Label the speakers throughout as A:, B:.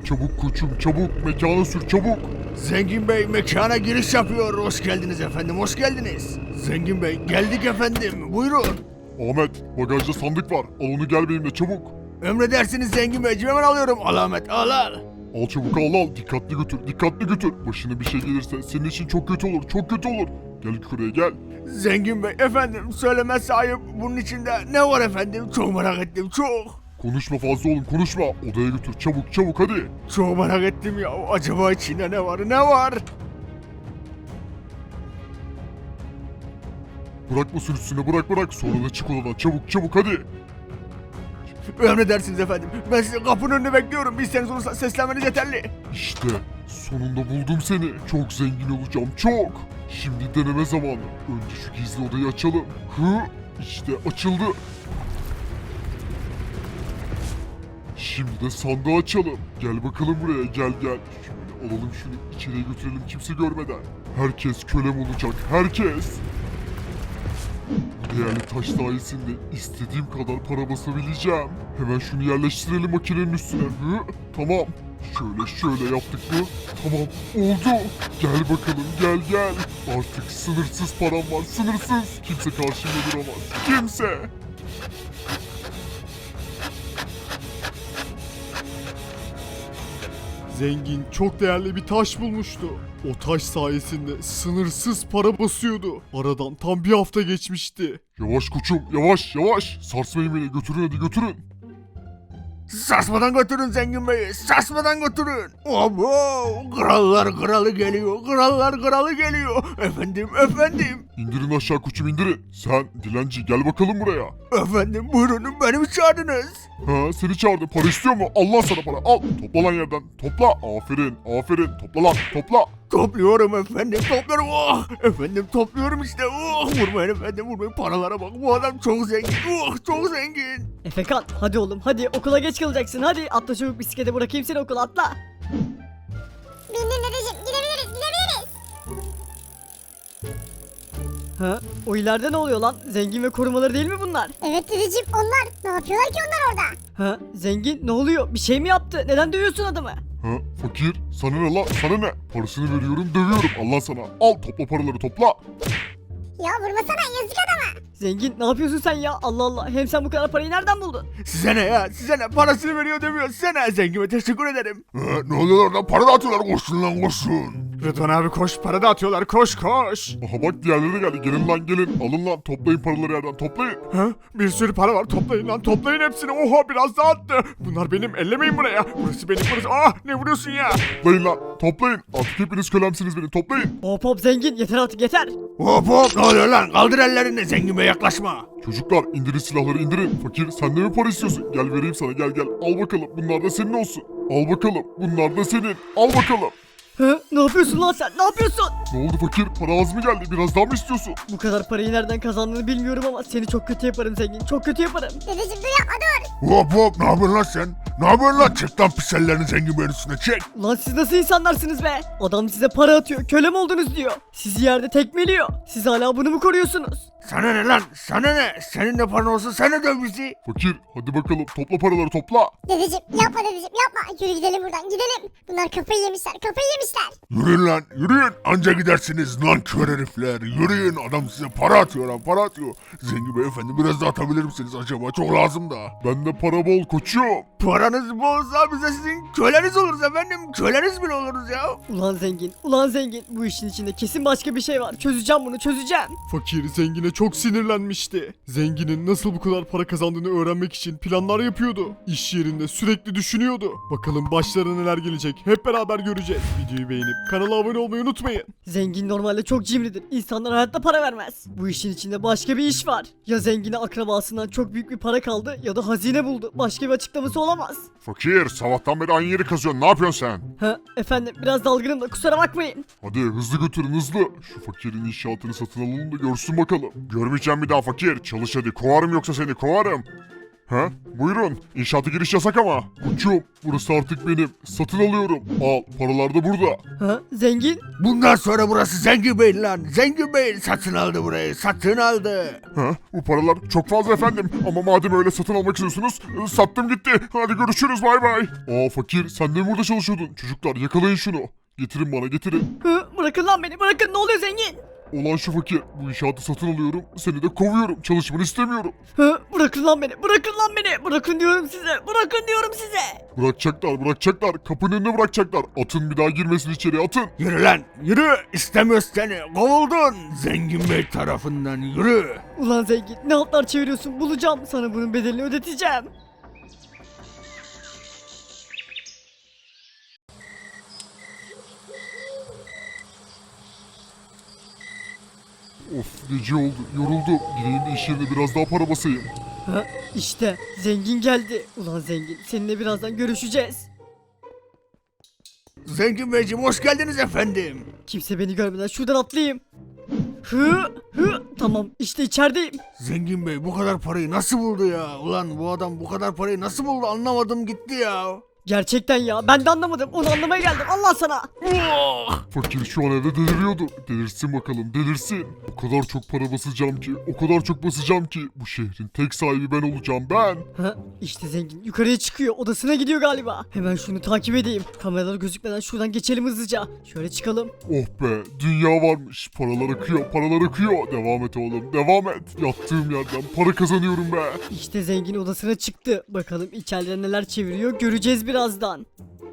A: Çabuk koçum çabuk mekana sür çabuk.
B: Zengin Bey mekana giriş yapıyor. Hoş geldiniz efendim, hoş geldiniz. Zengin Bey geldik efendim, buyurun.
A: Ahmet bagajda sandık var. Al onu gel benimle çabuk.
B: Emredersiniz Zengin Beyciğim, hemen alıyorum. Al Ahmet, al.
A: Al çabuk al. Dikkatli götür dikkatli götür. Başına bir şey gelirse senin için çok kötü olur çok kötü olur. Gel yukarıya gel.
B: Zengin Bey efendim, söylemezse ayıp, bunun içinde ne var efendim? Çok merak ettim, çok.
A: Konuşma fazla oğlum konuşma. Odaya götür çabuk hadi.
B: Çok merak ettim ya. Acaba içinde ne var, ne var?
A: Bırakma üstüne bırak. Sonra da çık odadan çabuk hadi.
B: Emredersiniz efendim. Ben sizi kapının önünde bekliyorum. Bir isteğiniz olursa seslenmeniz yeterli.
A: İşte sonunda buldum seni. Çok zengin olacağım çok. Şimdi deneme zamanı. Önce şu gizli odayı açalım. İşte açıldı. Şimdi de sandığı açalım. Gel bakalım buraya gel. Şöyle alalım şunu içeriye götürelim kimse görmeden. Herkes kölem olacak herkes. Bu değerli taş sayesinde istediğim kadar para basabileceğim. Hemen şunu yerleştirelim makinenin üstüne. Tamam. Şöyle yaptık mı? Tamam oldu. Gel bakalım gel. Artık sınırsız param var sınırsız. Kimse karşımda duramaz. Kimse.
C: Zengin çok değerli bir taş bulmuştu. O taş sayesinde sınırsız para basıyordu. Aradan tam bir hafta geçmişti.
A: Yavaş koçum yavaş. Sarsmayın beni götürün.
B: Sarsmadan götürün Zengin Bey'i. Sarsmadan götürün. Abo! Krallar kralı geliyor. Krallar kralı geliyor. Efendim.
A: İndirin aşağı koçum indirin. Sen dilenci gel bakalım buraya.
B: Efendim buyurun, beni mi çağırdınız?
A: Ha seni çağırdım para istiyor mu? Allah sana para al. Topla lan yerden. Topla. Aferin. Topla lan topla.
B: Topluyorum efendim, topluyorum. Efendim topluyorum işte. Vurmayın efendim, vurmayın. Paralara bak, bu adam çok zengin. Çok zengin.
D: Efekan hadi oğlum hadi okula geç kalacaksın hadi atla çabuk bisiklete bırakayım seni okula atla.
E: Bindim dedeciğim, gidebiliriz.
D: Ha o ileride ne oluyor lan zengin ve korumaları değil mi bunlar?
E: Evet dedeciğim, onlar. Ne yapıyorlar ki onlar orada?
D: Ha zengin ne oluyor bir şey mi yaptı neden dövüyorsun adamı?
A: Ha fakir sana ne lan sana ne? Parasını veriyorum dövüyorum Allah sana. Al topla paraları topla.
E: Ya vurmasana, yazık adama.
D: Zengin ne yapıyorsun sen ya Allah Allah hem sen bu kadar parayı nereden buldun?
B: Size ne ya? Size ne? Parasını veriyor demiyor. Size ne? Zengime teşekkür ederim.
A: Ne oluyor orada para dağıtıyorlar koşun lan koşun.
B: Rıdvan abi koş, para dağıtıyorlar. Koş.
A: Aha bak diğerleri de geldi gelin lan gelin. Alın lan toplayın paraları yerden toplayın.
B: Ha? Bir sürü para var. Toplayın lan. Toplayın hepsini. Oha biraz daha attı. Bunlar benim. Ellemeyin buraya. Burası benim. Burası. Ne vuruyorsun ya?
A: Toplayın lan toplayın. Artık hepiniz kölemsiniz beni toplayın.
D: Hop zengin yeter artık yeter.
B: Hop. Ne oluyor lan? Kaldır ellerini. Zengime yaklaşma.
A: Çocuklar indirin silahları indirin. Fakir sen de mi para istiyorsun? Gel vereyim sana gel. Al bakalım bunlar da senin olsun. Al bakalım bunlar da senin. Al bakalım.
D: Ha ne yapıyorsun lan sen ne yapıyorsun?
A: Ne oldu fakir? Para az mı geldi? Biraz daha mı istiyorsun?
D: Bu kadar parayı nereden kazandığını bilmiyorum ama seni çok kötü yaparım zengin çok kötü yaparım.
E: Dedeciğim dur yapma, dur.
B: Hop. Ne yapıyorsun lan sen? Ne yapıyorsun lan? Çek lan pis ellerini Zengin Bey'in üstüne çek.
D: Ulan siz nasıl insanlarsınız be? Adam size para atıyor, kölem oldunuz diyor. Sizi yerde tekmeliyor. Siz hala bunu mu koruyorsunuz?
B: Sana ne lan? Sana ne? Senin de paran olsun. Sen de döv bizi.
A: Fakir hadi bakalım topla paraları topla.
E: Dedeciğim yapma, yürü gidelim buradan, gidelim. Bunlar kafayı yemişler.
B: Yürüyün lan. Yürüyün. Anca gidersiniz lan kör herifler. Yürüyün. Adam size para atıyor lan. Para atıyor. Zengin Bey efendi biraz daha atabilir misiniz acaba? Çok lazım da.
A: Bende para bol koçum.
B: Paranız bolsa bize sizin köleniz oluruz efendim. Köleniz bile oluruz ya.
D: Ulan zengin bu işin içinde kesin başka bir şey var. Çözeceğim bunu çözeceğim.
C: Fakir zengine çok sinirlenmişti. Zenginin nasıl bu kadar para kazandığını öğrenmek için planlar yapıyordu. İş yerinde sürekli düşünüyordu. Bakalım başlarına neler gelecek hep beraber göreceğiz. Videoyu beğenip kanala abone olmayı unutmayın.
D: Zengin normalde çok cimridir. İnsanlar hayatta para vermez. Bu işin içinde başka bir iş var. Ya zengine akrabasından çok büyük bir para kaldı ya da hazine buldu. Başka bir açıklaması olamaz.
A: Fakir sabahtan beri aynı yeri kazıyorsun ne yapıyorsun sen?
D: Ha efendim biraz dalgınım da kusura bakmayın.
A: Hadi hızlı götürün hızlı. Şu fakirin inşaatını satın alalım da görsün bakalım. Görmeyeceğim bir daha fakir. Çalış hadi kovarım yoksa seni kovarım. Ha? Buyurun. İnşaata giriş yasak ama. Koçum burası artık benim. Satın alıyorum. Al paralar da burada.
D: Ha? Zengin?
B: Bundan sonra burası Zengin Bey lan. Zengin Bey satın aldı burayı. Satın aldı.
A: Ha? Bu paralar çok fazla efendim. Ama madem öyle satın almak istiyorsunuz sattım gitti. Hadi görüşürüz bay bay. Aa fakir sen de mi burada çalışıyordun? Çocuklar yakalayın şunu. Getirin bana getirin.
D: Hı? Bırakın lan beni bırakın ne oluyor zengin?
A: Ulan şu fakir bu inşaatı satın alıyorum. Seni de kovuyorum. Çalışmanı istemiyorum.
D: Hı? Bırakın lan beni bırakın lan beni. Bırakın diyorum size bırakın diyorum size.
A: Bırakacaklar. Kapının önüne bırakacaklar. Atın bir daha girmesin içeri atın.
B: Yürü lan yürü. İstemiyoruz seni. Kovuldun. Zengin Bey tarafından yürü.
D: Ulan zengin ne altlar çeviriyorsun bulacağım sana bunun bedelini ödeteceğim.
A: Of gece oldu. Yoruldum. Gideyim de iş yerine biraz daha para basayım.
D: Ha? İşte zengin geldi. Ulan zengin seninle birazdan görüşeceğiz.
B: Zengin Beyciğim hoş geldiniz efendim.
D: Kimse beni görmeden şuradan atlayayım. Hı, tamam işte içerideyim.
B: Zengin Bey bu kadar parayı nasıl buldu ya? Ulan bu adam bu kadar parayı nasıl buldu anlamadım gitti ya.
D: Gerçekten ya ben de anlamadım onu anlamaya geldim Allah sana.
A: Fakir şu an evde deliriyordu. Delirsin bakalım delirsin. O kadar çok para basacağım ki. O kadar çok basacağım ki. Bu şehrin tek sahibi ben olacağım ben.
D: Ha, işte zengin yukarıya çıkıyor odasına gidiyor galiba. Hemen şunu takip edeyim. Kameralar gözükmeden şuradan geçelim hızlıca. Şöyle çıkalım.
A: Oh be dünya varmış. Paralar akıyor paralar akıyor. Devam et oğlum devam et. Yattığım yerden para kazanıyorum be.
D: İşte zengin odasına çıktı. Bakalım içeride neler çeviriyor göreceğiz birazdan.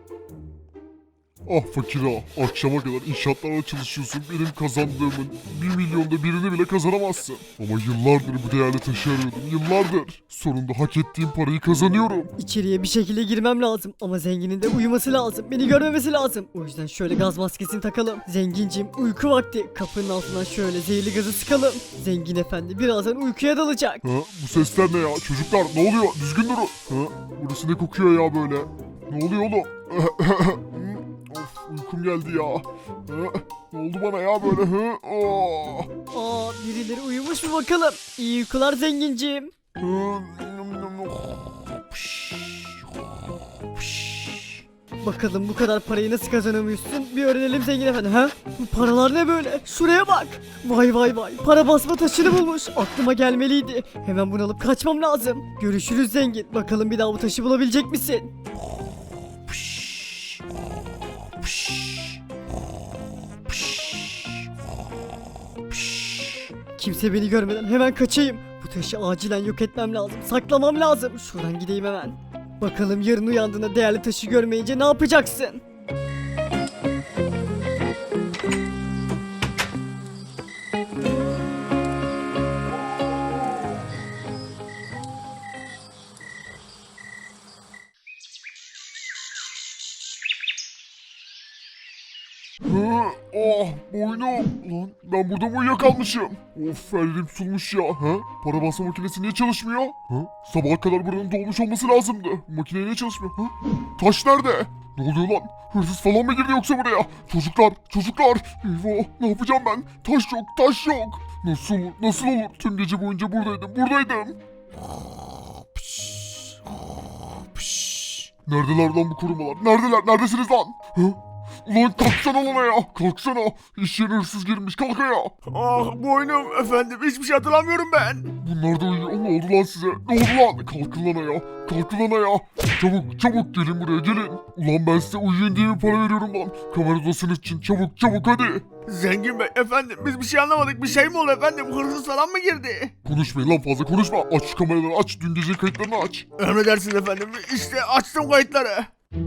A: Ah fakir ah. Akşama kadar inşaatlarla çalışıyorsun. Benim kazandığımın 1 milyonda birini bile kazanamazsın. Ama yıllardır bu değerli taşı arıyordum. Yıllardır. Sonunda hak ettiğim parayı kazanıyorum.
D: İçeriye bir şekilde girmem lazım ama zenginin de uyuması lazım. Beni görmemesi lazım. O yüzden şöyle gaz maskesini takalım. Zengincim uyku vakti. Kapının altından şöyle zehirli gazı sıkalım. Zengin efendi birazdan uykuya dalacak.
A: Ha, bu sesler ne ya? Çocuklar ne oluyor? Düzgün durun. Ha, burası ne kokuyor ya böyle? Ne oluyor oğlum? Of uykum geldi ya. Ha, ne oldu bana ya böyle? Ha, oh.
D: Aa birileri uyumuş mu bakalım. İyi uykular zengincim. Bakalım bu kadar parayı nasıl kazanamıyorsun? Bir öğrenelim zengin efendi. Ha? Bu paralar ne böyle? Şuraya bak. Vay vay vay. Para basma taşını bulmuş. Aklıma gelmeliydi. Hemen bunu alıp kaçmam lazım. Görüşürüz zengin. Bakalım bir daha bu taşı bulabilecek misin? Kimse beni görmeden hemen kaçayım. Bu taşı acilen yok etmem lazım. Saklamam lazım. Şuradan gideyim hemen. Bakalım yarın uyandığında değerli taşı görmeyince ne yapacaksın?
A: Oh boynum. Lan ben burada mı uyuyakalmışım? Of ellerim sulmuş ya. Ha? Para basma makinesi niye çalışmıyor? Ha? Sabaha kadar buranın dolmuş olması lazımdı. Makine niye çalışmıyor? Ha? Taş nerede? Ne oluyor lan? Hırsız falan mı girdi yoksa buraya? Çocuklar. Eyvah ne yapacağım ben? Taş yok. Nasıl olur? Tüm gece boyunca buradaydım. Neredeler lan bu korumalar? Neredesiniz lan? Ha? Ulan kalksana lan ya. Kalksana. İş yerine hırsız girmiş. Kalk ayağa.
B: Ah boynum efendim hiçbir şey hatırlamıyorum ben.
A: Bunlar da uyuyor. Ne oldu lan size? Ne oldu lan? Kalkın lan ayağa. Çabuk gelin buraya gelin. Ulan ben size uyuyun diye bir para veriyorum lan. Kamera odasının için çabuk hadi.
B: Zengin Bey efendim biz bir şey anlamadık bir şey mi oldu efendim hırsız falan mı girdi?
A: Konuşmayın lan fazla konuşma. Aç şu kameraları aç. Dün gece kayıtlarını aç.
B: Emredersiniz efendim işte açtım kayıtları.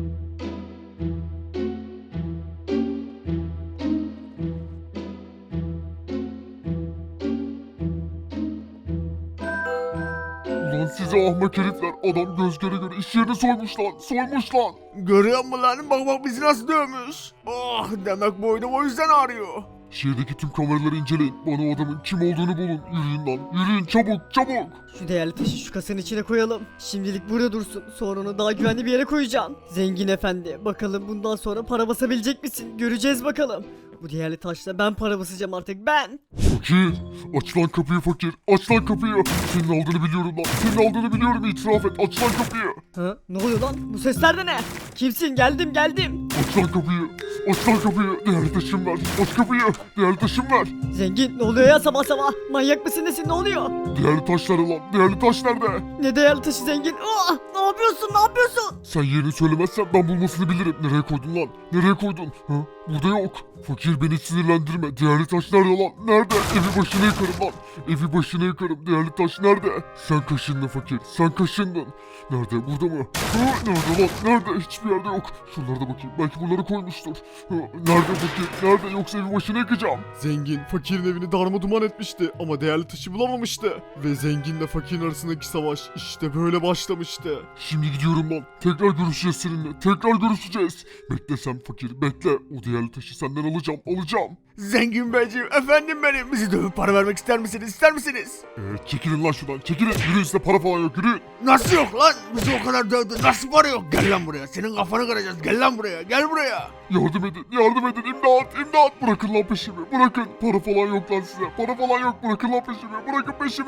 A: Ulan size ahmak herifler. Adam göz göre iş yerini soymuş lan.
B: Görüyor musun lan bak bizi nasıl dövmüş. Oh demek boynum o yüzden ağrıyor.
A: Şehirdeki tüm kameraları inceleyin. Bana o adamın kim olduğunu bulun. Yürüyün lan. Yürüyün çabuk.
D: Şu değerli taşı şu kasanın içine koyalım. Şimdilik burada dursun. Sonra onu daha güvenli bir yere koyacağım. Zengin efendi bakalım bundan sonra para basabilecek misin? Göreceğiz bakalım. Bu değerli taşla ben para basacağım artık ben.
A: Fakir, aç lan kapıyı fakir, aç lan kapıyı. Senin aldığını biliyorum lan, senin aldığını biliyorum, itiraf et, aç lan kapıyı.
D: Ha? Ne oluyor lan? Bu sesler de ne? Kimsin? Geldim.
A: Aç lan kapıyı, aç lan kapıyı, değerli taşım ver, aç kapıyı, değerli taşım ver.
D: Zengin ne oluyor ya sabah sabah? Manyak mısın nesin ne oluyor?
A: Değerli taşları lan, değerli taş nerede?
D: Ne değerli taşı zengin? Oh, ne yapıyorsun ne yapıyorsun?
A: Sen yerini söylemezsen ben bulmasını bilirim. Nereye koydun lan? Nereye koydun? Ha? Burada yok. Fakir beni sinirlendirme. Değerli taş nerede lan? Nerede? Evi başına yıkarım lan. Evi başına yıkarım. Değerli taş nerede? Sen kaşındın fakir. Sen kaşındın. Nerede? Burada mı? Ha? Nerede lan? Nerede? Hiçbir yerde yok. Şuralarda bakayım. Belki bunları koymuştur. Ha? Nerede fakir? Nerede? Yoksa evi başına yıkacağım.
C: Zengin fakirin evini darmaduman etmişti ama değerli taşı bulamamıştı. Ve zenginle fakirin arasındaki savaş işte böyle başlamıştı.
A: Şimdi gidiyorum lan. Tekrar görüşeceğiz seninle. Tekrar görüşeceğiz. Bekle sen fakir. Bekle. O değerli taşı senden alacağım.
B: Zengin beyciğim efendim benim. Bizi dövüp para vermek ister misiniz?
A: Çekilin lan şuradan. Çekilin. Yürüyün, size para falan yok. Yürüyün.
B: Nasıl yok lan? Bizi o kadar dövdün. Nasıl para yok? Gel lan buraya. Senin kafanı kıracağız. Gel lan buraya. Gel buraya.
A: Yardım edin. İmdat. Bırakın lan peşimi. Bırakın. Para falan yok lan size. Para falan yok. Bırakın lan peşimi. Bırakın peşimi.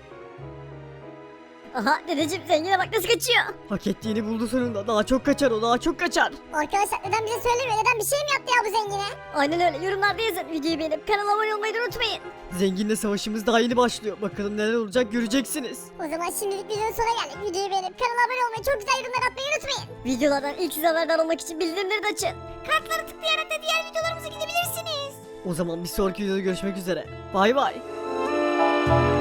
E: Aha dedeciğim zengine bak nasıl kaçıyor.
D: Hak ettiğini buldu sonunda. Daha çok kaçar o daha çok kaçar.
E: Arkadaşlar neden bize söylemiyor? Neden bir şey mi yaptı ya bu zengine? Aynen öyle yorumlarda yazın. Videoyu beğenip kanala abone olmayı da unutmayın.
D: Zenginle savaşımız daha yeni başlıyor. Bakalım neler olacak göreceksiniz.
E: O zaman şimdilik videonun sonuna geldik. Videoyu beğenip kanala abone olmayı çok güzel yorumlar atmayı unutmayın. Videolardan ilk siz haberdar olmak için bildirimleri de açın. Kartları tıklayarak da diğer videolarımıza gidebilirsiniz.
D: O zaman bir sonraki videoda görüşmek üzere. Bay bay.